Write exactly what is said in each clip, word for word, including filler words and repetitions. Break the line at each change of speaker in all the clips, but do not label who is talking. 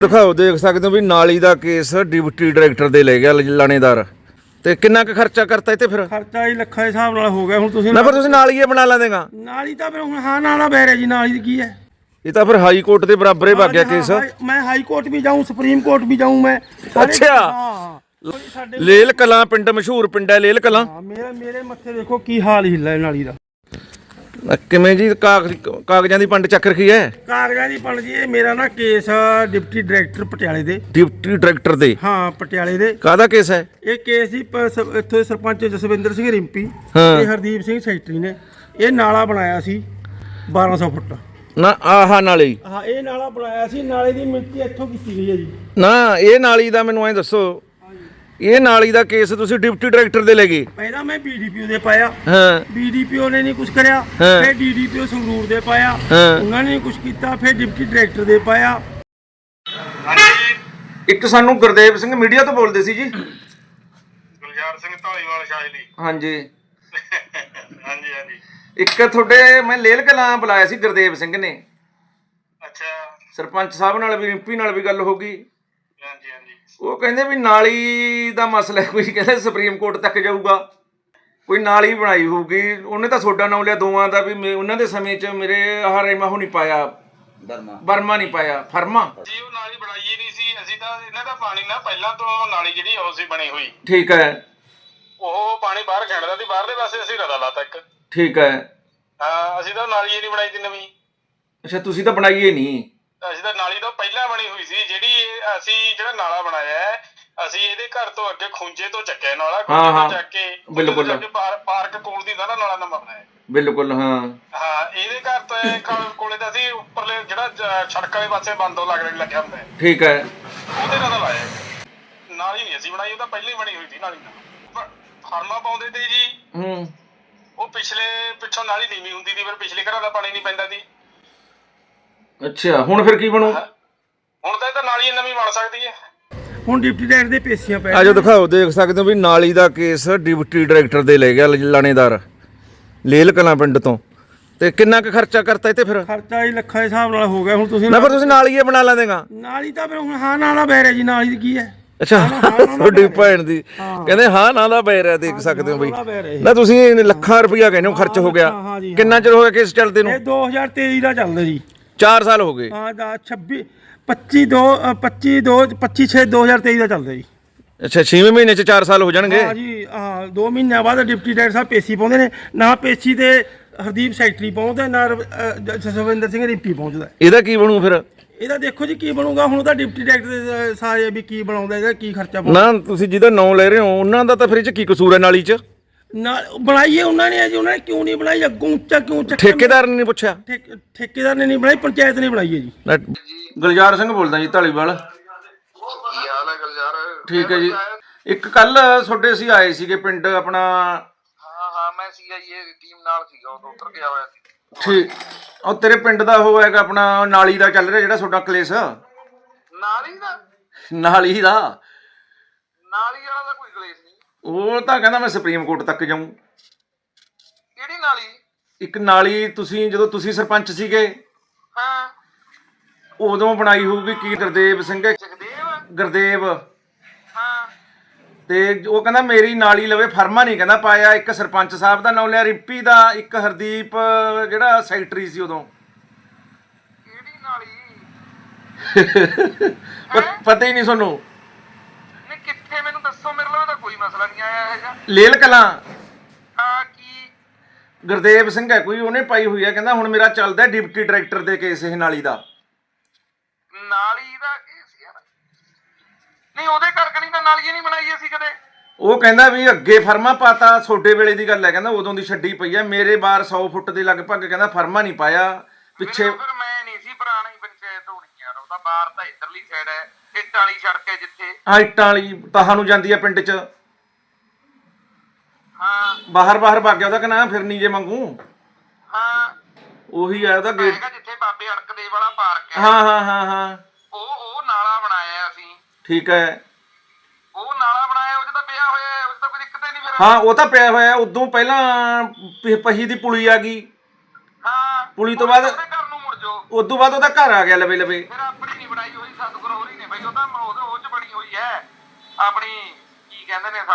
ਦਿਖਾਓ ਦੇਖ ਸਕਦੇ ਹੋ ਵੀ ਨਾਲੀ ਦਾ ਕੇਸ ਡਿਪਟੀ ਡਾਇਰੈਕਟਰ ਦੇ ਲੈ ਗਿਆ ਲਾਣੇਦਾਰ ਤੇ ਕਿੰਨਾ ਕੁ ਖਰਚਾ ਕਰਤਾ ਇੱਥੇ ਫਿਰ
ਖਰਚਾ ਹੀ ਲੱਖਾਂ ਦੇ ਹਿਸਾਬ ਨਾਲ ਹੋ ਗਿਆ। ਹੁਣ ਤੁਸੀਂ
ਨਾ ਫਿਰ ਤੁਸੀਂ ਨਾਲੀ ਇਹ ਬਣਾ ਲੈਂਦੇਗਾ
ਨਾਲੀ ਤਾਂ ਫਿਰ ਹੁਣ ਹਾਂ ਨਾਲਾ ਬਹਿ ਰਿਹਾ ਜੀ, ਨਾਲੀ ਦੀ ਕੀ ਹੈ?
ਇਹ ਤਾਂ ਫਿਰ ਹਾਈ ਕੋਰਟ ਦੇ ਬਰਾਬਰ ਹੀ ਵਗ ਗਿਆ ਕੇਸ।
ਮੈਂ ਹਾਈ ਕੋਰਟ ਵੀ ਜਾਊਂ, ਸੁਪਰੀਮ ਕੋਰਟ ਵੀ ਜਾਊਂ ਮੈਂ।
ਅੱਛਾ,
ਹਾਂ
ਲੇਲ ਕਲਾਂ ਪਿੰਡ ਮਸ਼ਹੂਰ ਪਿੰਡ ਹੈ ਲੇਲ ਕਲਾਂ।
ਹਾਂ ਮੇਰੇ ਮੇਰੇ ਮੱਥੇ ਦੇਖੋ ਕੀ ਹਾਲ ਹਿੱਲਾ ਨਾਲੀ ਦਾ।
ਕਿਵੇਂ ਜੀ ਕਾਗਜ਼ ਕਾਗਜ਼ਾਂ ਦੀ ਪੰਡ ਚੱਕ ਰਖੀ ਹੈ?
ਕਾਗਜ਼ਾਂ ਦੀ ਪੰਡ ਜੀ, ਇਹ ਮੇਰਾ ਨਾ ਕੇਸ ਡਿਪਟੀ ਡਾਇਰੈਕਟਰ ਪਟਿਆਲੇ ਦੇ।
ਡਿਪਟੀ ਡਾਇਰੈਕਟਰ ਦੇ?
ਹਾਂ ਪਟਿਆਲੇ ਦੇ।
ਕਾਹਦਾ ਕੇਸ ਹੈ
ਇਹ ਕੇਸ ਜੀ ਇੱਥੋਂ ਸਰਪੰਚ ਜਸਵਿੰਦਰ ਸਿੰਘ ਰਿੰਪੀ
ਹਾਂ।
ਤੇ ਹਰਦੀਪ ਸਿੰਘ ਸੈਕਟਰੀ ਨੇ ਇਹ ਨਾਲਾ ਬਣਾਇਆ ਸੀ ਬਾਰਾਂ ਸੌ ਫੁੱਟ।
ਨਾ ਆਹ ਨਾਲੀ?
ਹਾਂ ਇਹ ਨਾਲਾ ਬਣਾਇਆ ਸੀ, ਨਾਲੇ ਦੀ ਮਿੱਟੀ ਇੱਥੋਂ ਕੀਤੀ ਗਈ ਹੈ ਜੀ।
ਨਾ ਇਹ ਨਾਲੀ ਦਾ ਮੈਨੂੰ ਐਂ ਦੱਸੋ, ਇਹ ਨਾਲੀ ਦਾ ਕੇਸ ਤੁਸੀਂ ਡਿਪਟੀ ਡਾਇਰੈਕਟਰ ਦੇ ਲੈ ਗਏ?
ਪਹਿਲਾਂ ਮੈਂ ਬੀਡੀਪੀਓ ਦੇ ਪਾਇਆ,
ਹਾਂ
ਬੀਡੀਪੀਓ ਨੇ ਨਹੀਂ ਕੁਝ ਕਰਿਆ।
ਹਾਂ।
ਫਿਰ ਡੀਡੀਪੀਓ ਸੰਗਰੂਰ ਦੇ ਪਾਇਆ,
ਹਾਂ।
ਉਹਨਾਂ ਨੇ ਨਹੀਂ ਕੁਝ ਕੀਤਾ। ਫਿਰ ਡਿਪਟੀ ਡਾਇਰੈਕਟਰ ਦੇ ਪਾਇਆ।
ਇੱਕ ਸਾਨੂੰ ਗੁਰਦੇਵ ਸਿੰਘ ਮੀਡੀਆ ਤੋਂ ਬੋਲਦੇ ਸੀ ਜੀ।
ਗੁਲਜ਼ਾਰ ਸਿੰਘ ਢਾਲੀਵਾਲ ਸ਼ਾਇਲੀ।
ਹਾਂਜੀ
ਹਾਂਜੀ ਹਾਂਜੀ।
ਇੱਕ ਤੁਹਾਡੇ ਮੈਂ ਲੇਲ ਕਲਾਂ ਬੁਲਾਇਆ ਸੀ ਗੁਰਦੇਵ ਸਿੰਘ ਨੇ।
ਅੱਛਾ।
ਸਰਪੰਚ ਸਾਹਿਬ ਨਾਲ ਵੀ ਰਿੰਪੀ ਨਾਲ ਵੀ ਗੱਲ ਹੋ ਗਈ।
ਹਾਂਜੀ ਹਾਂਜੀ।
ਉਹ ਕਹਿੰਦੇ ਵੀ ਨਾਲੀ ਦਾ ਮਸਲਾ ਕੋਈ ਕਹਿੰਦੇ ਸੁਪਰੀਮ ਕੋਰਟ ਤੱਕ ਜਾਊਗਾ, ਕੋਈ ਨਾਲੀ ਬਣਾਈ ਹੋਊਗੀ। ਉਹਨੇ ਤਾਂ ਤੁਹਾਡਾ ਨਾਮ ਲਿਆ ਦੋਵਾਂ ਦਾ ਵੀ ਮੈਂ ਉਹਨਾਂ ਦੇ ਸਮੇਂ 'ਚ ਮੇਰੇ ਆਹ ਰੇਮਾ ਹੋ ਨਹੀਂ ਪਾਇਆ, ਬਰਮਾ ਬਰਮਾ ਨਹੀਂ ਪਾਇਆ, ਫਰਮਾ
ਜੀ ਉਹ ਨਾਲੀ ਬਣਾਈ ਹੀ ਨਹੀਂ ਸੀ ਅਸੀਂ ਤਾਂ। ਇਹਨਾਂ ਦਾ ਪਾਣੀ ਨਾ ਪਹਿਲਾਂ ਤੋਂ ਨਾਲੀ ਜਿਹੜੀ ਉਹ ਸੀ ਬਣੀ ਹੋਈ।
ਠੀਕ ਹੈ।
ਉਹ ਪਾਣੀ ਬਾਹਰ ਖਿੰਡਦਾ ਸੀ, ਬਾਹਰਲੇ ਪਾਸੇ ਅਸੀਂ ਰਦਾ ਲਾਤਾ ਇੱਕ।
ਠੀਕ ਹੈ।
ਹਾਂ ਅਸੀਂ ਤਾਂ ਨਾਲੀ ਹੀ ਨਹੀਂ ਬਣਾਈ ਸੀ ਨਵੀਂ।
ਅੱਛਾ ਤੁਸੀਂ ਤਾਂ ਬਣਾਈਏ ਨਹੀਂ?
ਅਸੀਂ ਤਾਂ ਨਾਲੀ ਤੋਂ ਪਹਿਲਾਂ ਬਣੀ ਹੋਈ ਸੀ ਜਿਹੜੀ ਇਹ ਅਸੀਂ ਜਿਹੜਾ ਨਾਲਾ ਬਣਾਇਆ ਹੈ ਅਸੀਂ ਇਹਦੇ ਘਰ ਤੋਂ ਅੱਗੇ ਖੁੰਝੇ ਤੋਂ ਚੱਕਿਆ ਨਾਲਾ। ਖੁੰਝੇ ਤੋਂ ਚੱਕ ਕੇ
ਬਿਲਕੁਲ
ਪਾਰਕ ਕੋਲ ਦੀ ਦਾ ਨਾਲਾ ਨੰਬਰ ਬਣਾਇਆ।
ਬਿਲਕੁਲ ਹਾਂ
ਹਾਂ ਇਹਦੇ ਘਰ ਤੋਂ ਕੋਲੇ ਦਾ ਸੀ ਉੱਪਰਲੇ ਜਿਹੜਾ ਸੜਕ ਵਾਲੇ ਪਾਸੇ ਬੰਦੋਂ ਲੱਗਣ ਲੱਗਿਆ ਹੁੰਦਾ।
ਠੀਕ ਹੈ।
ਉਹਦੇ ਨਾਲ ਲਾਇਆ ਨਾਲੀ ਨਹੀਂ ਅਸੀਂ ਬਣਾਈ, ਉਹ ਤਾਂ ਪਹਿਲਾਂ ਹੀ ਬਣੀ ਹੋਈ ਸੀ ਨਾਲੀ ਨਾਲ। ਫਾਰਮਾ ਪਾਉਂਦੇ ਤੇ ਜੀ
ਹੂੰ
ਉਹ ਪਿਛਲੇ ਪਿੱਛੋਂ ਨਾਲੀ ਨੀਵੀਂ ਹੁੰਦੀ ਸੀ, ਫਿਰ ਪਿਛਲੇ ਘਰਾਂ ਦਾ ਪਾਣੀ ਨਹੀਂ ਪੈਂਦਾ ਸੀ।
ਅੱਛਾ ਹੁਣ ਫਿਰ ਕੀ ਬਣੂ?
ਹੁਣ ਤਾਂ ਇਹ ਤਾਂ ਨਾਲੀ ਨਵੀਂ ਬਣ ਸਕਦੀ ਹੈ।
ਹੁਣ ਡਿਪਟੀ ਡਾਇਰੈਕਟਰ ਦੇ ਪੇਸ਼ੀਆਂ ਪੈ
ਆਜੋ ਦਿਖਾਓ ਦੇਖ ਸਕਦੇ ਹੋ ਵੀ ਨਾਲੀ ਦਾ ਕੇਸ ਡਿਪਟੀ ਡਾਇਰੈਕਟਰ ਦੇ ਲੈ ਗਿਆ ਲਾਣੇਦਾਰ ਲੇਲ ਕਲਾਂ ਪਿੰਡ ਤੋਂ ਤੇ ਕਿੰਨਾ ਕੁ ਖਰਚਾ ਕਰਤਾ ਇੱਥੇ ਫਿਰ?
ਖਰਚਾ ਹੀ ਲੱਖਾਂ ਦੇ ਹਿਸਾਬ ਨਾਲ ਹੋ ਗਿਆ। ਹੁਣ ਤੁਸੀਂ
ਨਾ ਫਿਰ ਤੁਸੀਂ ਨਾਲੀ ਇਹ ਬਣਾ ਲੈਂਦੇਗਾ?
ਨਾਲੀ ਤਾਂ ਫਿਰ ਹੁਣ ਹਾਂ ਨਾਲਾ ਬਹਿ ਰਿਹਾ ਜੀ, ਨਾਲੀ ਦੀ ਕੀ ਹੈ?
ਅੱਛਾ ਤੁਹਾਡੀ ਭੈਣ ਦੀ ਕਹਿੰਦੇ ਹਾਂ ਨਾ ਦਾ ਬੈ ਰਿਹਾ, ਦੇਖ ਸਕਦੇ ਹੋ ਬਈ। ਨਾ ਤੁਸੀਂ ਲੱਖਾਂ ਰੁਪਇਆ ਕਹਿੰਦੇ ਹੋ ਖਰਚ ਹੋ ਗਿਆ। ਕਿੰਨਾ ਚਿਰ ਹੋ ਗਿਆ ਕੇਸ ਚੱਲਦੇ ਨੂੰ?
ਇਹ ਦੋ ਹਜ਼ਾਰ ਤੇਈ ਦਾ ਚੱਲਦਾ ਜੀ।
ਚਾਰ ਸਾਲ ਹੋ ਗਏ।
ਹਾਂ ਦਾ ਛੱਬੀ ਪੱਚੀ ਦੋ ਪੱਚੀ ਦੋ ਪੱਚੀ ਛੇ ਦੋ ਹਜ਼ਾਰ ਤੇਈ ਦਾ ਚੱਲਦਾ ਜੀ।
ਅੱਛਾ ਛੇਵੇਂ ਮਹੀਨੇ ਚ ਚਾਰ ਸਾਲ ਹੋ ਜਾਣਗੇ?
ਹਾਂ ਜੀ ਹਾਂ। ਦੋ ਮਹੀਨਿਆਂ ਬਾਅਦ ਡਿਪਟੀ ਡਾਇਰੈਕਟਰ ਸਾਹਿਬ ਪੇਸ਼ੀ ਪਾਉਂਦੇ ਨੇ। ਨਾ ਪੇਸ਼ੀ ਤੇ ਹਰਦੀਪ ਸੈਕਟਰੀ ਪਹੁੰਚਦਾ, ਨਾ ਜਸਵਿੰਦਰ ਸਿੰਘ ਰਿੰਪੀ ਪਹੁੰਚਦਾ।
ਇਹਦਾ ਕੀ ਬਣੂ ਫਿਰ?
ਇਹਦਾ ਦੇਖੋ ਜੀ ਕੀ ਬਣੂਗਾ। ਹੁਣ ਤਾਂ ਡਿਪਟੀ ਡਾਇਰੈਕਟਰ ਦੇ ਸਾਰੇ ਵੀ ਕੀ ਬਣਾਉਂਦਾ, ਇਹਦਾ ਕੀ ਖਰਚਾ ਪਾਉਂਦਾ।
ਨਾ ਤੁਸੀਂ ਜਿਹਦਾ ਨਾਂ ਲੈ ਰਹੇ ਹੋ ਉਹਨਾਂ ਦਾ ਤਾਂ ਫਿਰ ਇਹ ਚ ਕੀ ਕਸੂਰ ਹੈ ਨਾਲੀ ਚ?
ਨਾ ਬਣਾਈਏ ਉਹਨਾਂ ਨੇ ਜੀ, ਉਹਨਾਂ ਨੇ ਕਿਉਂ ਨਹੀਂ ਬਣਾਈ? ਅੱਗੋਂ ਉੱਚਾ ਕਿਉਂ ਚੱਕਿਆ?
ਠੇਕੇਦਾਰ ਨੇ ਨਹੀਂ ਪੁੱਛਿਆ?
ਠੇਕੇਦਾਰ ਨੇ ਨਹੀਂ ਬਣਾਈ, ਪੰਚਾਇਤ ਨੇ ਬਣਾਈ ਹੈ ਜੀ।
ਗੁਲਜ਼ਾਰ ਸਿੰਘ ਬੋਲਦਾ ਜੀ ਢਾਲੀਵਾਲ।
ਕੀ ਹਾਲ ਹੈ ਗੁਲਜ਼ਾਰ?
ਠੀਕ ਹੈ ਜੀ। ਇੱਕ ਕੱਲ ਤੁਹਾਡੇ ਅਸੀਂ ਆਏ ਸੀਗੇ ਪਿੰਡ ਆਪਣਾ।
ਹਾਂ ਹਾਂ ਮੈਂ ਸੀਗਾ ਜੀ, ਇਹ ਟੀਮ ਨਾਲ ਸੀਗਾ, ਉਹ ਉੱਤਰ ਗਿਆ ਹੋਇਆ ਸੀ।
ਠੀਕ। ਉਹ ਤੇਰੇ ਪਿੰਡ ਦਾ ਉਹ ਹੈਗਾ ਆਪਣਾ ਨਾਲੀ ਦਾ ਚੱਲ ਰਿਹਾ ਜਿਹੜਾ ਤੁਹਾਡਾ ਕਲੇਸ਼।
ਨਾਲੀ ਦਾ?
ਨਾਲੀ ਦਾ
ਨਾਲੀ ਵਾਲਾ ਦਾ ਕੋਈ ਕਲੇਸ਼ ਨਹੀਂ।
ਉਹ ਤਾਂ ਕਹਿੰਦਾ ਮੈਂ ਸੁਪਰੀਮ ਕੋਰਟ ਤੱਕ ਜਾਊਂ।
ਕਿਹੜੀ ਨਾਲੀ?
ਇੱਕ ਨਾਲੀ ਤੁਸੀਂ ਜਦੋਂ ਤੁਸੀਂ ਸਰਪੰਚ ਸੀਗੇ
ਹਾਂ
ਉਦੋਂ ਬਣਾਈ ਹੋਊਗੀ। ਕੀ ਗੁਰਦੇਵ ਸਿੰਘ
ਜਗਦੇਵ?
ਗੁਰਦੇਵ
ਹਾਂ
ਤੇ ਉਹ ਕਹਿੰਦਾ ਮੇਰੀ ਨਾਲੀ ਲਵੇ ਫਰਮਾ ਨਹੀਂ ਕਹਿੰਦਾ ਪਾਇਆ। ਇੱਕ ਸਰਪੰਚ ਸਾਹਿਬ ਦਾ ਨਾਮ ਲਿਆ ਰਿੰਪੀ ਦਾ, ਇੱਕ ਹਰਦੀਪ ਜਿਹੜਾ ਸੈਕਟਰੀ ਸੀ ਉਦੋਂ।
ਕਿਹੜੀ ਨਾਲੀ?
ਪ- ਪਤਾ ਹੀ ਨਹੀਂ ਤੁਹਾਨੂੰ?
ਨਹੀਂ ਕਿੱਥੇ ਮੈਨੂੰ ਦੱਸੋ, ਮੇਰੇ ਲਈ ਤਾਂ ਕੋਈ ਮਸਲਾ ਨਹੀਂ ਆਇਆ ਹੈਗਾ।
ਲੇਲ ਕਲਾਂ
ਹਾਂ ਕੀ?
ਗੁਰਦੇਵ ਸਿੰਘ ਹੈ ਕੋਈ, ਉਹਨੇ ਪਾਈ ਹੋਈ ਹੈ। ਕਹਿੰਦਾ ਹੁਣ ਮੇਰਾ ਚੱਲਦਾ ਡਿਪਟੀ ਡਾਇਰੈਕਟਰ ਦੇ ਕੇਸ ਇਹ ਨਾਲੀ ਦਾ।
ਨਾਲੀ ਦਾ ਕੇਸ ਯਾਰ? ਨਹੀਂ ਉਹਦੇ ਕਰਕੇ ਨਹੀਂ ਤਾਂ ਨਾਲੀ ਨਹੀਂ ਬਣਾਈ ਅਸੀਂ ਕਦੇ।
ਉਹ ਕਹਿੰਦਾ ਵੀ ਅੱਗੇ ਫਰਮਾ ਪਾਤਾ, ਛੋਟੇ ਵੇਲੇ ਦੀ ਗੱਲ ਹੈ। ਕਹਿੰਦਾ ਉਦੋਂ ਦੀ ਛੱਡੀ ਪਈ ਹੈ। ਮੇਰੇ ਬਾਰ ਸੌ ਫੁੱਟ ਦੇ ਲਗਭਗ ਕਹਿੰਦਾ ਫਰਮਾ ਨਹੀਂ ਪਾਇਆ ਪਿੱਛੇ।
ਫਿਰ ਮੈਂ ਨਹੀਂ ਸੀ, ਪੁਰਾਣੀ ਪੰਚਾਇਤ ਹੋਣੀ ਯਾਰ। ਉਹ ਤਾਂ ਬਾਹਰ ਤਾਂ ਇੱਧਰਲੀ ਸਾਈਡ ਹੈ, ਇੱਟ ਵਾਲੀ ਸੜਕ ਹੈ ਜਿੱਥੇ।
ਹਾਂ ਇੱਟਾਂ ਵਾਲੀ ਤਾਹਾਂ ਨੂੰ ਜਾਂਦੀ ਹੈ ਪਿੰਡ 'ਚ।
ਹਾਂ
ਬਾਹਰ ਬਾਹਰ ਭੱਗ ਗਿਆ ਉਹਦਾ ਕਹਿੰਦਾ ਫਿਰਨੀ ਜੇ ਮੰਗੂ।
ਹਾਂ
ਉਹੀ ਹੈ ਉਹਦਾ ਗੇਟ।
ਹੈਗਾ ਜਿੱਥੇ ਬਾਬੇ ਅੜਕਦੇ ਵਾਲਾ ਪਾਰਕ ਹੈ।
ਹਾਂ ਹਾਂ ਹਾਂ ਹਾਂ
ਉਹ ਉਹ ਨਾਲਾ ਬਣਾਇਆ ਅਸੀਂ।
ਠੀਕ ਹੈ।
ਉਹ ਨਾਲਾ ਬਣਾਇਆ, ਉਹ 'ਚ ਤਾਂ ਪਿਆ ਹੋਇਆ ਹੈ, ਉਹ 'ਚ ਤਾਂ ਕੋਈ ਦਿੱਕਤ ਹੀ ਨਹੀਂ ਫਿਰ।
ਹਾਂ ਉਹ ਤਾਂ ਪਿਆ ਹੋਇਆ। ਉਦੋਂ ਪਹਿਲਾਂ ਪ- ਪਹੀ ਦੀ ਪੁਲੀ ਆ ਗਈ।
ਹਾਂ
ਪੁਲੀ ਤੋਂ ਬਾਅਦ
ਉਹਦੇ ਘਰ ਨੂੰ ਮੁੜ ਜਾਓ।
ਉਦੋਂ ਬਾਅਦ ਉਹਦਾ ਘਰ ਆ ਗਿਆ ਲਵੇ ਲਵੇ।
ਫਿਰ ਆਪਣੀ ਨਹੀਂ ਬਣਾਈ ਹੋਈ, ਸਤਿਗੁਰ ਹੋਰੀ
ਨੇ ਬਈ, ਉਹ ਤਾਂ ਉਹਦੇ ਉਹ ਚ ਬਣੀ ਹੋਈ ਹੈ ਆਪਣੀ, ਕੀ ਕਹਿੰਦੇ ਨੇ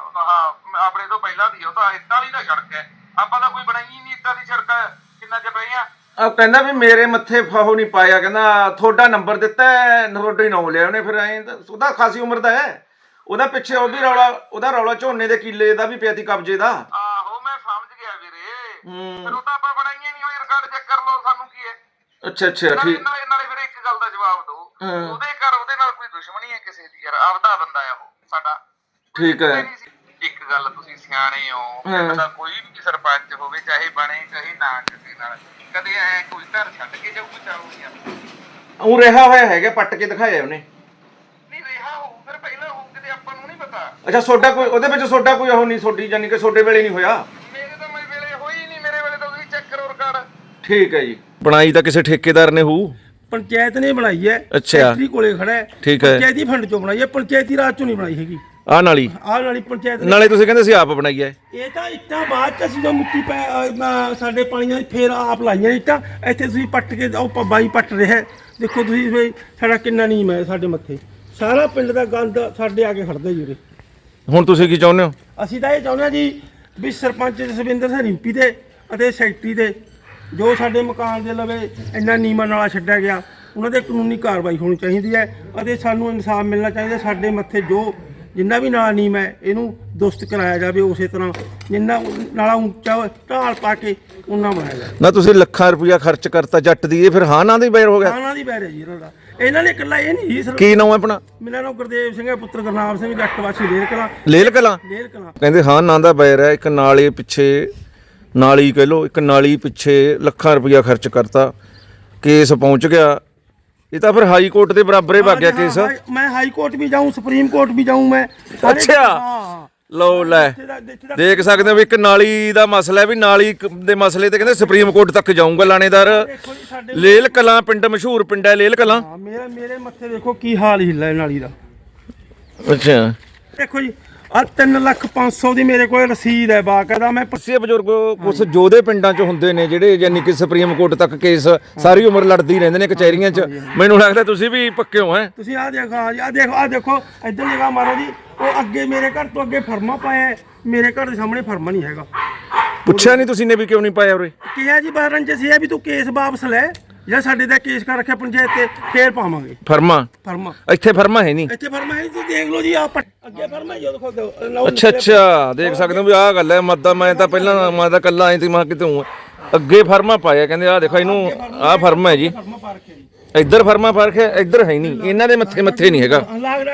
ਆਹ ਆਪਣੇ ਤੋਂ ਪਹਿਲਾਂ ਦੀ, ਉਹ ਤਾਂ ਇੱਦਾਂ ਦੀ ਤਾਂ ਸੜਕ ਹੈ, ਆਪਾਂ ਤਾਂ ਕੋਈ ਬਣਾਈ ਨਹੀਂ ਇੱਦਾਂ ਦੀ ਸੜਕ, ਕਿੰਨਾ ਚਿਰ ਰਹੀ ਆ। ਆ ਕਹਿੰਦਾ ਵੀ ਮੇਰੇ ਮੱਥੇ ਫਾਹੋ ਨਹੀਂ ਪਾਇਆ, ਕਹਿੰਦਾ ਤੁਹਾਡਾ ਨੰਬਰ ਦਿੱਤਾ ਤੁਹਾਡਾ ਹੀ ਨਾਮ ਲਿਆ ਉਹਨੇ, ਫਿਰ ਐਂ ਉਹਦਾ ਖਾਸੀ ਉਮਰ ਦਾ ਹੈ, ਉਹਦਾ ਪਿੱਛੇ ਉਹ ਵੀ ਰੌਲਾ, ਉਹਦਾ ਰੌਲਾ ਝੋਨੇ ਦੇ ਕਿੱਲੇ ਦਾ ਵੀ ਪਿਆ ਸੀ ਕਬਜ਼ੇ ਦਾ। ਆਹੋ ਮੈਂ ਸਮਝ ਗਿਆ ਵੀਰੇ, ਫਿਰ ਉਹ ਤਾਂ ਆਪਾਂ ਬਣਾਈਆਂ ਨਹੀਂ ਹੋਈ, ਰਿਕਾਰਡ ਚੈੱਕ ਕਰ ਲਓ, ਸਾਨੂੰ ਕੀ ਹੈ। ਅੱਛਾ ਅੱਛਾ ਠੀਕ। ਨਾਲੇ ਨਾਲੇ ਵੀਰੇ ਇੱਕ ਗੱਲ ਦਾ ਜਵਾਬ ਦਿਓ, ਉਹਦੇ ਘਰ ਉਹਦੇ ਨਾਲ ਕੋਈ ਦੁਸ਼ਮਣੀ ਹੈ ਕਿਸੇ ਦੀ ਯਾਰ, ਆਪਦਾ ਬੰਦਾ ਆ ਉਹ ਸਾਡਾ। ਠੀਕ ਹੈ। ਇੱਕ ਗੱਲ ਤੁਸੀਂ ਸਿਆਣੇ ਹੋ, ਪਿੰਡ ਦਾ ਕੋਈ ਵੀ ਸਰਪੰਚ ਹੋਵੇ, ਚਾਹੇ ਬਣੇ ਚਾਹੇ ਨਾ, ਕਿਸੇ ਨਾਲ ਕਦੇ ਐ ਕੋਈ ਘਰ ਛੱਡ ਕੇ ਜਾਊ ਚਾਹੂ ਯਾਰ। ਉਹ ਰਿਹਾ ਹੋਇਆ ਹੈਗਾ, ਪੱਟ ਕੇ ਦਿਖਾਇਆ ਉਹਨੇ। ਨਹੀਂ ਰਿਹਾ ਹੋਊ ਫਿਰ ਪਹਿਲਾਂ ਹੋਊ ਕਿਤੇ, ਆਪਾਂ ਨੂੰ ਨਹੀਂ ਪਤਾ। ਅੱਛਾ ਤੁਹਾਡਾ ਕੋਈ ਉਹਦੇ ਵਿੱਚ ਤੁਹਾਡਾ ਕੋਈ ਉਹ ਨਹੀਂ, ਤੁਹਾਡੀ ਜਾਨੀ ਕਿ ਤੁਹਾਡੇ ਵੇਲੇ ਨਹੀਂ ਹੋਇਆ। ਮੇਰੇ ਤਾਂ ਮੇਰੇ ਵੇਲੇ ਹੋਈ ਨਹੀਂ, ਮੇਰੇ ਵੇਲੇ ਤਾਂ ਤੁਸੀਂ ਚੈੱਕ ਕਰੋ ਰਿਕਾਰਡ। ਠੀਕ ਹੈ ਜੀ। ਬਣਾਈ ਤਾਂ ਕਿਸੇ ਠੇਕੇਦਾਰ ਨੇ ਹੋਊ,
ਪੰਚਾਇਤ ਨੇ ਬਣਾਈ ਹੈ।
ਅੱਛਾ
ਫੈਕਟਰੀ ਕੋਲੇ ਖੜਾ ਹੈ,
ਠੀਕ ਹੈ।
ਪੰਚਾਇਤੀ ਫੰਡ ਚੋਂ ਬਣਾਈ ਹੈ, ਪੰਚਾਇਤੀ ਰਾਜ ਚੋਂ ਨਹੀਂ ਬਣਾਈ ਹੈਗੀ।
ਆਹ ਨਾਲੀ
ਆਹ ਨਾਲੀ ਪੰਚਾਇਤ
ਨਾਲੇ ਤੁਸੀਂ ਕਹਿੰਦੇ ਸੀ ਆਪ ਬਣਾਈ ਹੈ।
ਇਹ ਤਾਂ ਇੱਟਾਂ ਬਾਅਦ ਚ ਅਸੀਂ ਜੋ ਮਿੱਟੀ ਪੈ ਸਾਡੇ ਪਾਣੀਆਂ ਫੇਰ ਆਪ ਲਾਈਆਂ ਇੱਟਾਂ, ਇੱਥੇ ਤੁਸੀਂ ਪੱਟ ਕੇ ਉਹ ਬਾਈ ਪੱਟ ਰਿਹਾ, ਦੇਖੋ ਤੁਸੀਂ ਵੀ ਸਾਡਾ ਕਿੰਨਾ ਨੀਮ ਹੈ ਸਾਡੇ ਮੱਥੇ, ਸਾਰਾ ਪਿੰਡ ਦਾ ਗੰਦ ਸਾਡੇ ਆ ਕੇ ਖੜਦਾ ਜੀ ਉਰੇ।
ਹੁਣ ਤੁਸੀਂ ਕੀ ਚਾਹੁੰਦੇ ਹੋ?
ਅਸੀਂ ਤਾਂ ਇਹ ਚਾਹੁੰਦੇ ਹਾਂ ਜੀ ਵੀ ਸਰਪੰਚ ਜਸਵਿੰਦਰ ਸਿੰਘ ਰਿੰਪੀ ਦੇ ਅਤੇ ਸੈਕਟਰੀ ਦੇ ਜੋ ਸਾਡੇ ਮਕਾਨ ਦੇ ਲਵੇ ਇੰਨਾ ਨੀਮਾ ਨਾਲਾ ਛੱਡਿਆ ਗਿਆ, ਉਹਨਾਂ ਦੇ ਕਾਨੂੰਨੀ ਕਾਰਵਾਈ ਹੋਣੀ ਚਾਹੀਦੀ ਹੈ ਅਤੇ ਸਾਨੂੰ ਇਨਸਾਫ ਮਿਲਣਾ ਚਾਹੀਦਾ। ਸਾਡੇ ਮੱਥੇ ਜੋ ਜਿੰਨਾ ਵੀ ਨਾਲਾ ਨੀਮ ਹੈ ਇਹਨੂੰ ਦੁਰਸਤ ਕਰਾਇਆ ਜਾਵੇ, ਉਸੇ ਤਰ੍ਹਾਂ ਜਿੰਨਾ ਨਾਲਾ ਉੱਚਾ ਢਾਲ ਪਾ ਕੇ ਉਹਨਾਂ ਬਣਾਇਆ ਜਾਵੇ। ਨਾ ਤੁਸੀਂ ਲੱਖਾਂ ਰੁਪਇਆ ਖਰਚ ਕਰਤਾ ਜੱਟ ਦੀ, ਇਹ ਫਿਰ ਹਾਂ ਨਾ ਦੀ ਬੈਰ ਹੋ ਗਿਆ। ਹਾਂ ਨਾ ਦੀ ਬੈਰ ਹੈ ਜੀ ਇਹਨਾਂ ਦਾ। ਇਹਨਾਂ ਨੇ ਇਕੱਲਾ ਇਹ ਨਹੀਂ ਸਰ। ਕੀ ਨਾਮ ਹੈ ਆਪਣਾ? ਮੇਰਾ ਨਾਮ ਗੁਰਦੇਵ ਸਿੰਘ ਹੈ, ਪੁੱਤਰ ਗੁਰਨਾਮ ਸਿੰਘ, ਜੱਟ ਵਾਸੀ ਲੇਲ ਕਲਾਂ। ਲੇਲ ਕਲਾਂ ਲੇਲ ਕਲਾਂ ਕਹਿੰਦੇ ਹਾਂ ਨਾਂ ਦਾ ਬੈਰ ਹੈ। ਇੱਕ ਨਾਲੇ ਪਿੱਛੇ ਨਾਲੀ ਕਹਿ ਲਓ, ਇੱਕ ਨਾਲੀ ਪਿੱਛੇ ਲੱਖਾਂ ਰੁਪਇਆ ਖਰਚ ਕਰਤਾ, ਕੇਸ ਪਹੁੰਚ ਗਿਆ। ਇਹ ਤਾਂ ਫਿਰ ਹਾਈ ਕੋਰਟ ਦੇ ਬਰਾਬਰ ਹੀ ਵਗ ਗਿਆ ਕੇਸ। ਮੈਂ ਹਾਈ ਕੋਰਟ ਵੀ ਜਾਊਂ, ਸੁਪਰੀਮ ਕੋਰਟ ਵੀ ਜਾਊਂ ਮੈਂ। ਅੱਛਾ ਲਓ ਲੈ ਦੇਖ ਸਕਦੇ ਹੋ ਵੀ ਇੱਕ ਨਾਲੀ ਦਾ ਮਸਲਾ ਹੈ, ਵੀ ਨਾਲੀ ਦੇ ਮਸਲੇ ਤੇ ਕਹਿੰਦੇ ਸੁਪਰੀਮ ਕੋਰਟ ਤੱਕ ਜਾਊਂਗਾ ਲਾਣੇਦਾਰ। ਲੇਲ ਕਲਾਂ ਪਿੰਡ ਮਸ਼ਹੂਰ ਪਿੰਡ ਹੈ ਲੇਲ ਕਲਾਂ। ਮੇਰੇ ਮੇਰੇ ਮੱਥੇ ਦੇਖੋ ਕੀ ਹਾਲ ਹਿੱਲਾ ਨਾਲੀ ਦਾ। ਅੱਛਾ ਦੇਖੋ ਜੀ ਆ ਤਿੰਨ ਲੱਖ ਪੰਜ ਸੌ ਦੀ ਮੇਰੇ ਕੋਲ ਰਸੀਦ ਹੈ ਬਾਕਾਇਦਾ। ਮੈਂ ਪੱਸੇ ਬਜ਼ੁਰਗ ਕੁਛ ਜੋਧੇ ਪਿੰਡਾਂ 'ਚ ਹੁੰਦੇ ਨੇ ਜਿਹੜੇ ਯਾਨੀ ਕਿ ਸੁਪਰੀਮ ਕੋਰਟ ਤੱਕ ਕੇਸ ਸਾਰੀ ਉਮਰ ਲੜਦੇ ਹੀ ਰਹਿੰਦੇ ਨੇ ਕਚਹਿਰੀਆਂ 'ਚ। ਮੈਨੂੰ ਲੱਗਦਾ ਤੁਸੀਂ ਵੀ ਪੱਕੇ ਹੋ। ਹੈ ਤੁਸੀਂ ਆਹ ਦੇਖੋ, ਹਾਂ ਜੀ ਆਹ ਦੇਖੋ, ਆਹ ਦੇਖੋ ਇੱਧਰ ਨਿਗਾਹ ਮਾਰੋ ਜੀ। ਉਹ ਅੱਗੇ ਮੇਰੇ ਘਰ ਤੋਂ ਅੱਗੇ ਫਰਮਾ ਪਾਇਆ, ਮੇਰੇ ਘਰ ਦੇ ਸਾਹਮਣੇ ਫਰਮਾ ਨਹੀਂ ਹੈਗਾ। ਪੁੱਛਿਆ ਨਹੀਂ ਤੁਸੀਂ ਨੇ ਵੀ ਕਿਉਂ ਨਹੀਂ ਪਾਇਆ ਉਰੇ? ਕਿਹਾ ਜੀ ਬਾਰਨ 'ਚ ਸੀ ਵੀ ਤੂੰ ਕੇਸ ਵਾਪਸ ਲੈ, ਜਾਂ ਸਾਡੇ ਦਾ ਕੇਸ ਕਰ ਰੱਖਿਆ ਪੰਚਾਇਤ ਤੇ, ਫੇਰ ਪਾਵਾਂਗੇ ਫਰਮਾ। ਫਰਮਾ ਇੱਥੇ ਫਰਮਾ ਹੈ ਨਹੀਂ, ਇੱਥੇ ਫਰਮਾ ਹੈ ਨਹੀਂ। ਤੁਸੀਂ ਦੇਖ ਲਓ ਜੀ ਆਹ ਅੱਗੇ ਫਰਮਾ ਹੀ ਦੇਖੋ। ਅੱਛਾ ਅੱਛਾ ਦੇਖ ਸਕਦੇ ਹੋ ਵੀ ਆਹ ਗੱਲ ਹੈ ਮੱਦਾ। ਮੈਂ ਤਾਂ ਪਹਿਲਾਂ ਮੈਂ ਤਾਂ ਕੱਲਾ ਆਈ ਸੀ, ਮੈਂ ਕਿਤੇ ਹੂੰ ਅੱਗੇ ਫਰਮਾ ਪਾਇਆ। ਕਹਿੰਦੇ ਆਹ ਦੇਖੋ ਇਹਨੂੰ ਆਹ ਫਰਮਾ ਹੈ ਜੀ, ਇੱਧਰ ਫਰਮਾ ਫਰਕ ਹੈ, ਇੱਧਰ ਹੈ ਨਹੀਂ। ਇਹਨਾਂ ਦੇ ਮੱਥੇ ਮੱਥੇ ਨਹੀਂ ਹੈਗਾ।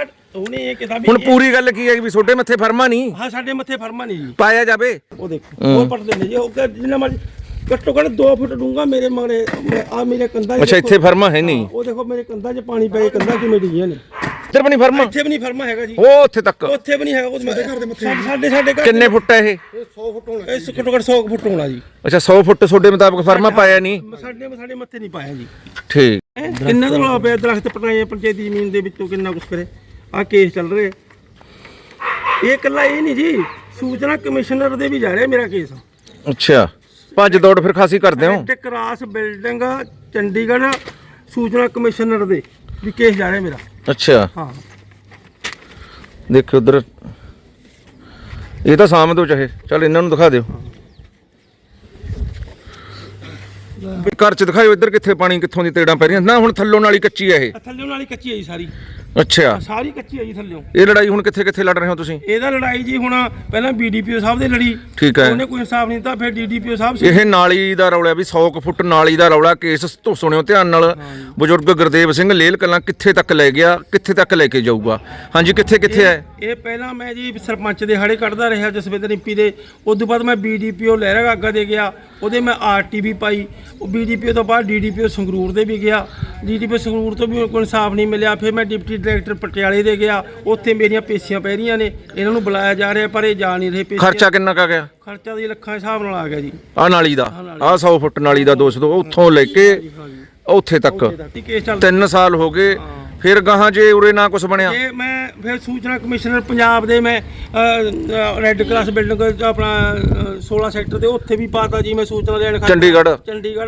ਹੁਣ ਪੂਰੀ ਗੱਲ ਕੀ ਹੈ ਵੀ ਤੁਹਾਡੇ ਮੱਥੇ ਫਰਮਾ ਨਹੀਂ? ਹਾਂ ਸਾਡੇ ਮੱਥੇ ਫਰਮਾ ਨਹੀਂ ਜੀ, ਪਾਇਆ ਜਾਵੇ। ਉਹ ਦੇਖੋ ਉਹ ਪੱਟਦੇ ਨੇ ਜੀ, ਉਹ ਜਿੰਨਾ ਮਰਜ਼ੀ ਘੱਟੋ ਘੱਟ ਦੋ ਫੁੱਟ ਡੂੰਗਾ ਮੇਰੇ ਮਗਰੇ ਆ ਮੇਰੇ ਕੰਧਾਂ। ਅੱਛਾ ਇੱਥੇ ਫਰਮਾ ਹੈ ਨਹੀਂ? ਉਹ ਦੇਖੋ ਮੇਰੇ ਕੰਧਾਂ 'ਚ ਪਾਣੀ ਪਏ, ਕੰਧਾਂ ਕਿਵੇਂ ਡਿੱਗੀਆਂ ਨੇ। ਇੱਧਰ ਵੀ ਨਹੀਂ ਫਰਮਾ? ਇੱਥੇ ਵੀ ਨਹੀਂ ਫਰਮਾ ਹੈਗਾ ਜੀ। ਉਹ ਉੱਥੇ ਤੱਕ ਉੱਥੇ ਵੀ ਨਹੀਂ ਹੈਗਾ। ਉਹ ਸਾਡੇ ਘਰ ਦੇ ਮੱਥੇ ਸਾਡੇ ਸਾਡੇ ਘਰ ਕਿੰਨੇ ਫੁੱਟ ਹੈ ਇਹ? ਇਹ ਸੌ ਫੁੱਟ ਹੋਣਾ। ਇਹ ਘੱਟੋ ਘੱਟ ਸੌ ਫੁੱਟ ਹੋਣਾ ਜੀ। ਅੱਛਾ ਸੌ ਫੁੱਟ ਤੁਹਾਡੇ ਮੁਤਾਬਕ ਫਰਮਾ ਪਾਇਆ ਨਹੀਂ? ਸਾਡੇ ਸਾਡੇ ਮੱਥੇ ਨਹੀਂ ਪਾਇਆ ਜੀ। ਠੀਕ। ਕਿੰਨਾ ਦਾ ਰੌਲਾ ਪਿਆ, ਦਰਖਤ ਪਟਾਏ ਪੰਚਾਇਤੀ ਜ਼ਮੀਨ ਦੇ ਵਿੱਚੋਂ, ਕਿੰਨਾ ਕੁਛ ਕਰੇ। ਆਹ ਕੇਸ ਚੱਲ ਰਿਹਾ। ਇਹ ਇਕੱਲਾ ਇਹ ਨਹੀਂ ਜੀ, ਸੂਚਨਾ ਕਮਿਸ਼ਨਰ ਦੇ ਵੀ ਜਾ ਰਿਹਾ ਮੇਰਾ ਕੇਸ। ਅੱਛਾ ਭੱਜ ਦੌੜ ਫਿਰ ਖਾਸੀ ਕਰਦੇ ਹੋ? ਤੇ ਕਰਾਸ ਬਿਲਡਿੰਗ ਚੰਡੀਗੜ੍ਹ ਸੂਚਨਾ ਕਮਿਸ਼ਨਰ ਦੇ ਵੀ ਕੇਸ ਜਾ ਰਿਹਾ ਮੇਰਾ। ਅੱਛਾ ਹਾਂ ਦੇਖੋ ਉਧਰ, ਇਹ ਤਾਂ ਸਾਹਮਣੇ ਤੋਂ ਚਾਹੇ ਚੱਲ ਇਹਨਾਂ ਨੂੰ ਦਿਖਾ ਦਿਓ। ਘਰ 'ਚ ਦਿਖਾਇਓ ਇੱਧਰ ਕਿੱਥੇ ਪਾਣੀ ਕਿੱਥੋਂ ਦੀ ਤੇੜਾਂ ਪੈ ਰਹੀਆਂ ਨਾ। ਹੁਣ ਥੱਲੋਂ ਨਾਲੀ ਕੱਚੀ ਹੈ, ਇਹ ਥੱਲੋਂ ਨਾਲੀ ਕੱਚੀ ਹੈ ਜੀ ਸਾਰੀ। ਅੱਛਾ ਸਾਰੀ ਕੱਚੀ ਹੈ ਜੀ ਥੱਲੋਂ। ਇਹ ਲੜਾਈ ਹੁਣ ਕਿੱਥੇ ਕਿੱਥੇ ਲੜ ਰਹੇ ਹੋ ਤੁਸੀਂ? ਇਹਦਾ ਲੜਾਈ ਜੀ ਹੁਣ ਪਹਿਲਾਂ ਬੀਡੀਪੀਓ ਸਾਹਿਬ ਦੇ ਲੜੀ, ਠੀਕ ਹੈ, ਉਹਨੇ ਕੋਈ ਇਨਸਾਫ ਨਹੀਂ ਦਿੱਤਾ। ਫਿਰ ਡੀਡੀਪੀਓ ਸਾਹਿਬ ਇਹ ਨਾਲੀ ਦਾ ਰੌਲਾ ਵੀ ਸੌ ਫੁੱਟ ਨਾਲੀ ਦਾ ਰੌਲਾ ਕੇਸ ਤੋਂ ਸੁਣਿਓ ਧਿਆਨ ਨਾਲ। ਬਜ਼ੁਰਗ ਗੁਰਦੇਵ ਸਿੰਘ ਲੇਲ ਕਲਾਂ ਕਿੱਥੇ ਤੱਕ ਲੈ ਗਿਆ, ਕਿੱਥੇ ਤੱਕ ਲੈ ਕੇ ਜਾਊਗਾ? ਹਾਂਜੀ ਕਿੱਥੇ ਕਿੱਥੇ ਹੈ ਇਹ? ਪਹਿਲਾਂ ਮੈਂ ਜੀ ਸਰਪੰਚ ਦੇ ਹਾੜੇ ਕੱਢਦਾ ਰਿਹਾ ਜਸਵਿੰਦਰ ਰਿੰਪੀ ਦੇ। ਉਸ ਤੋਂ ਬਾਅਦ ਮੈਂ ਬੀਡੀਪੀਓ ਲਹਿਰਾ ਗਾਗਾ ਦੇ ਗਿਆ, ਉਹਦੇ ਮੈਂ ਆਰਟੀ ਵੀ ਪਾਈ। ਉਹ ਬੀਡੀਪੀਓ ਤੋਂ ਬਾਅਦ ਡੀਡੀਪੀਓ ਸੰਗਰੂਰ ਦੇ ਵੀ ਗਿਆ, ਡੀਡੀਪੀਓ ਸੰਗਰੂਰ ਤੋਂ ਵੀ ਕੋਈ ਇਨਸਾਫ ਨਹੀਂ ਮਿਲਿਆ। ਫਿਰ ਮੈਂ ਡਿਪਟੀ ਡਾਇਰੈਕਟਰ ਪਟਿਆਲੇ ਦੇ ਗਿਆ, ਉੱਥੇ ਮੇਰੀਆਂ ਪੇਸ਼ੀਆਂ ਪੈ ਰਹੀਆਂ ਨੇ। ਇਹਨਾਂ ਨੂੰ ਬੁਲਾਇਆ ਜਾ ਰਿਹਾ ਪਰ ਇਹ ਜਾ ਨਹੀਂ ਰਹੇ। ਖਰਚਾ ਕਿੰਨਾ ਕਾ ਗਿਆ? ਖਰਚਾ ਦੀ ਲੱਖਾਂ ਹਿਸਾਬ ਨਾਲ ਆ ਗਿਆ ਜੀ। ਆਹ ਨਾਲੀ ਦਾ, ਆਹ ਸੌ ਫੁੱਟ ਨਾਲੀ ਦਾ ਦੋਸਤੋ, ਉੱਥੋਂ ਲੈ ਕੇ ਉੱਥੇ ਤੱਕ ਤਿੰਨ ਸਾਲ ਹੋ ਗਏ। ਫਿਰ ਗਾਹਾਂ ਜੇ ਉਰੇ ਨਾ ਕੁਝ ਬਣਿਆ, ਮੈਂ ਫਿਰ ਸੂਚਨਾ ਕਮਿਸ਼ਨਰ ਪੰਜਾਬ ਦੇ ਮੈਂ ਰੈੱਡ ਕਲਾਸ ਬਿਲਡਿੰਗ ਆਪਣਾ ਸੋਲਾਂ ਸੈਕਟਰ ਦੇ ਉੱਥੇ ਵੀ ਪਾਤਾ ਜੀ ਮੈਂ ਸੂਚਨਾ ਦੇਣ। ਚੰਡੀਗੜ੍ਹ ਚੰਡੀਗੜ੍ਹ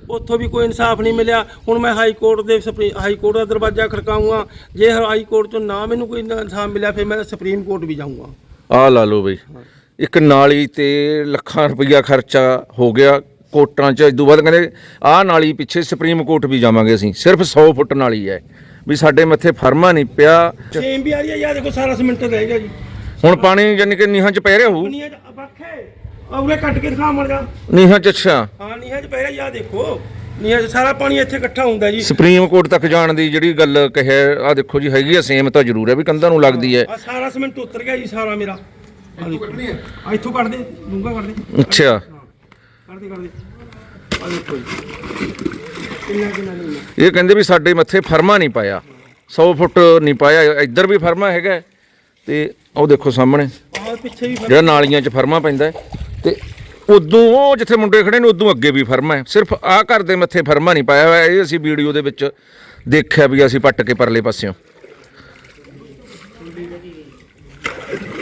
ਉੱਥੋਂ ਵੀ ਕੋਈ ਇਨਸਾਫ ਨਹੀਂ ਮਿਲਿਆ। ਹੁਣ ਮੈਂ ਹਾਈ ਕੋਰਟ ਦੇ ਸੁਪਰੀ ਹਾਈ ਕੋਰਟ ਦਾ ਦਰਵਾਜ਼ਾ ਖੜਕਾਊਂਗਾ। ਜੇ ਹਾਈ ਕੋਰਟ ਤੋਂ ਨਾ ਮੈਨੂੰ ਕੋਈ ਇਨਸਾਫ ਮਿਲਿਆ ਫਿਰ ਮੈਂ ਸੁਪਰੀਮ ਕੋਰਟ ਵੀ ਜਾਊਂਗਾ।
ਆਹ ਲਾ ਲਓ ਬਈ, ਇੱਕ ਨਾਲੀ ਤੇ ਲੱਖਾਂ ਰੁਪਈਆ ਖਰਚਾ ਹੋ ਗਿਆ ਕੋਰਟਾਂ 'ਚ। ਇਦੋਂ ਬਾਅਦ ਕਹਿੰਦੇ ਆਹ ਨਾਲੀ ਪਿੱਛੇ ਸੁਪਰੀਮ ਕੋਰਟ ਵੀ ਜਾਵਾਂਗੇ ਅਸੀਂ। ਸਿਰਫ ਸੌ ਫੁੱਟ ਨਾਲੀ ਹੈ ਵੀ ਸਾਡੇ ਮੱਥੇ ਫਰਮਾ ਨਹੀਂ ਪਿਆ।
ਸੇਮ ਵੀ ਆ ਰਹੀ ਹੈ ਯਾਰ, ਦੇਖੋ ਸਾਰਾ ਸੀਮੈਂਟ ਰਹੇਗਾ ਜੀ।
ਹੁਣ ਪਾਣੀ ਯਾਨੀ ਕਿ ਨੀਹਾਂ 'ਚ ਪੈ ਰਿਹਾ ਹੋਊ।
ਨੀਹਾਂ 'ਚ ਬੱਖੇ ਔਰੇ ਕੱਟ ਕੇ ਦਿਖਾ ਮਰ ਜਾ।
ਨੀਹਾਂ 'ਚ ਅੱਛਾ,
ਹਾਂ ਨੀਹਾਂ 'ਚ ਪੈ ਰਿਹਾ ਯਾਰ, ਦੇਖੋ ਨੀਹਾਂ 'ਚ ਸਾਰਾ ਪਾਣੀ ਇੱਥੇ ਇਕੱਠਾ ਹੁੰਦਾ ਜੀ।
ਸੁਪਰੀਮ ਕੋਰਟ ਤੱਕ ਜਾਣ ਦੀ ਜਿਹੜੀ ਗੱਲ ਕਹੇ ਆ ਦੇਖੋ ਜੀ, ਹੈਗੀ ਆ ਸੇਮ ਤਾਂ ਜ਼ਰੂਰ ਹੈ ਵੀ ਕੰਧਾਂ ਨੂੰ ਲੱਗਦੀ ਹੈ।
ਆ ਸਾਰਾ ਸੀਮੈਂਟ ਉਤਰ ਗਿਆ ਜੀ ਸਾਰਾ ਮੇਰਾ। ਆ ਇੱਥੋਂ ਕੱਢ ਦੇ, ਡੂੰਘਾ ਕੱਢ ਦੇ।
ਅੱਛਾ,
ਕੱਢ ਦੇ ਕੱਢ ਦੇ ਆ ਦੇਖੋ ਜੀ ਕਿੰਨਾ ਕਿੰਨਾ ਨਹੀਂ।
ਇਹ ਕਹਿੰਦੇ ਵੀ ਸਾਡੇ ਮੱਥੇ ਫਰਮਾ ਨਹੀਂ ਪਾਇਆ, ਸੌ ਫੁੱਟ ਨਹੀਂ ਪਾਇਆ। ਇੱਧਰ ਵੀ ਫਰਮਾ ਹੈਗਾ ਤੇ ਉਹ ਦੇਖੋ ਸਾਹਮਣੇ
ਆਹ ਪਿੱਛੇ ਵੀ
ਜਿਹੜਾ ਨਾਲੀਆਂ 'ਚ ਫਰਮਾ ਪੈਂਦਾ ਹੈ, ਤੇ ਉਦੋਂ ਉਹ ਜਿੱਥੇ ਮੁੰਡੇ ਖੜੇ ਨੇ ਉਦੋਂ ਅੱਗੇ ਵੀ ਫਰਮਾ ਹੈ। ਸਿਰਫ ਆਹ ਘਰ ਦੇ ਮੱਥੇ ਫਰਮਾ ਨਹੀਂ ਪਾਇਆ ਹੋਇਆ। ਇਹ ਅਸੀਂ ਵੀਡੀਓ ਦੇ ਵਿੱਚ ਦੇਖਿਆ ਵੀ ਅਸੀਂ ਪੱਟ ਕੇ ਪਰਲੇ ਪਾਸਿਓਂ।